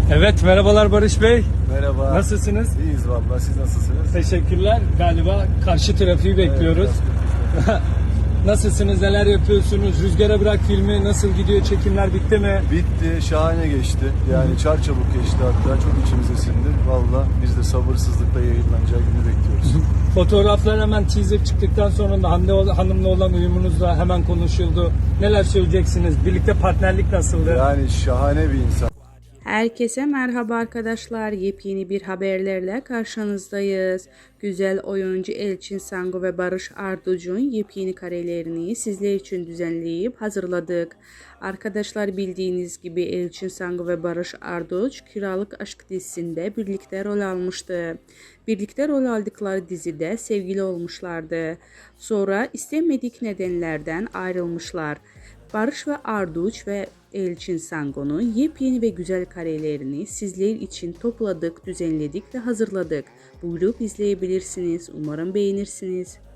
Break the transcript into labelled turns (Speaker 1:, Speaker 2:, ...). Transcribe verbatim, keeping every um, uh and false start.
Speaker 1: Evet, merhabalar Barış Bey.
Speaker 2: Merhaba.
Speaker 1: Nasılsınız?
Speaker 2: İyiyiz vallahi. Siz nasılsınız?
Speaker 1: Teşekkürler. Galiba karşı trafiği bekliyoruz.
Speaker 2: Evet, biraz
Speaker 1: Nasılsınız? Neler yapıyorsunuz? Rüzgara Bırak filmi nasıl gidiyor? Çekimler bitti mi?
Speaker 2: bitti. Şahane geçti. Yani çarçabuk geçti hatta. Çok içimize sindi. Valla biz de sabırsızlıkla yayınlanacağı günü bekliyoruz.
Speaker 1: Fotoğraflar hemen teaser çıktıktan sonra da Hande Hanım'la olan uyumunuzla hemen konuşuldu. Neler söyleyeceksiniz? Birlikte partnerlik nasıldı?
Speaker 2: Yani şahane bir insan.
Speaker 3: Herkese merhaba arkadaşlar. Yepyeni bir haberlerle karşınızdayız. Güzel oyuncu Elçin Sangu ve Barış Arduç'un yepyeni karelerini sizler için düzenleyip hazırladık. Arkadaşlar bildiğiniz gibi Elçin Sangu ve Barış Arduç Kiralık Aşk dizisinde birlikte rol almıştı. Birlikte rol aldıkları dizide sevgili olmuşlardı. Sonra istemedik nedenlerden ayrılmışlar. Barış ve Arduç ve Elçin Sangu'nun yepyeni ve güzel karelerini sizler için topladık, düzenledik ve hazırladık. Buyurup izleyebilirsiniz. Umarım beğenirsiniz.